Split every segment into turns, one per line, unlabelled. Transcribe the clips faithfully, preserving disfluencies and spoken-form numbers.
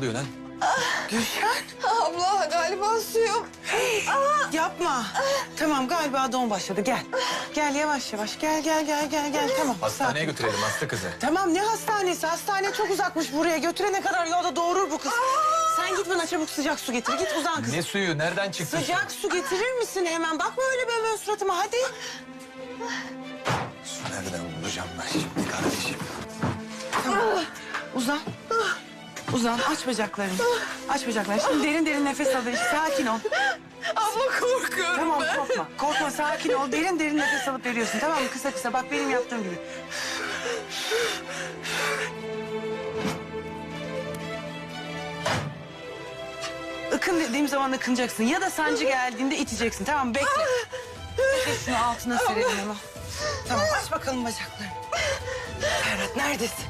oluyor lan?
Gülşen.
Abla galiba suyum.
Yapma. Tamam galiba doğum başladı. Gel. Gel yavaş yavaş. Gel gel gel gel gel. Tamam.
Hastaneye
sakin.
götürelim hasta kızı.
Tamam ne hastanesi? Hastane çok uzakmış buraya. Götürene kadar yolda doğurur bu kız. Sen git bana çabuk sıcak su getir. Git uzan kız.
Ne suyu? Nereden çıktı?
Sıcak su getirir misin hemen? Bakma öyle böyle suratıma hadi.
Su nereden bulacağım ben şimdi kardeşim?
Tamam. Uzan. Uzan aç bacaklarını. Aç bacaklarını. Şimdi derin derin nefes al. Sakin ol.
Abla korkuyorum
Tamam
ben.
korkma. Korkma sakin ol. Derin derin nefes alıp veriyorsun. Tamam mı? Kısa kısa. Bak benim yaptığım gibi. Ikın dediğim zaman ıkınacaksın. Ya da sancı geldiğinde iteceksin. Tamam mı? Bekle. Bekle şunu altına serelim hemen. Tamam aç bakalım bacaklarını. Ferhat neredesin?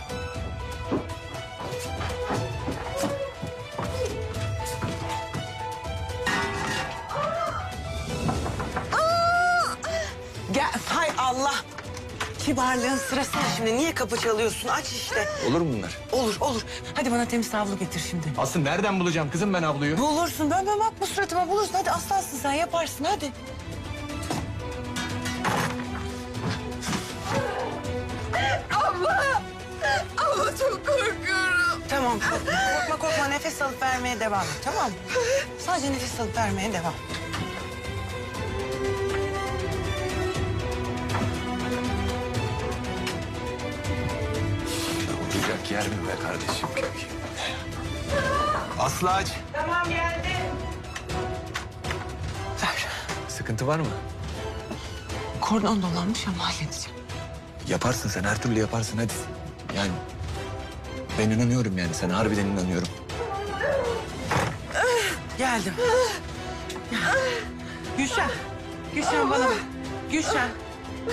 Gel. Hay Allah. Kibarlığın sırası mı şimdi? Niye kapı çalıyorsun? Aç işte.
Olur mu bunlar?
Olur olur. Hadi bana temiz havlu getir şimdi.
Aslı nereden bulacağım kızım ben abluyu?
Bulursun. Ben ben bakma suratıma bulursun. Hadi aslansın sen yaparsın hadi.
Abla. Abla çok korkuyorum.
Tamam korkma korkma, korkma. Nefes alıp vermeye devam et tamam mı? Sadece nefes alıp vermeye devam.
Olacak yer mi be kardeşim? Aslı aç.
Tamam geldi. Ver.
Sıkıntı var mı?
Kordon dolanmış ama halledeceğim.
Yaparsın sen her türlü yaparsın hadi. Yani ben inanıyorum yani sana harbiden inanıyorum.
Geldim. Gülşen. Gülşen bana bak. Gülşen.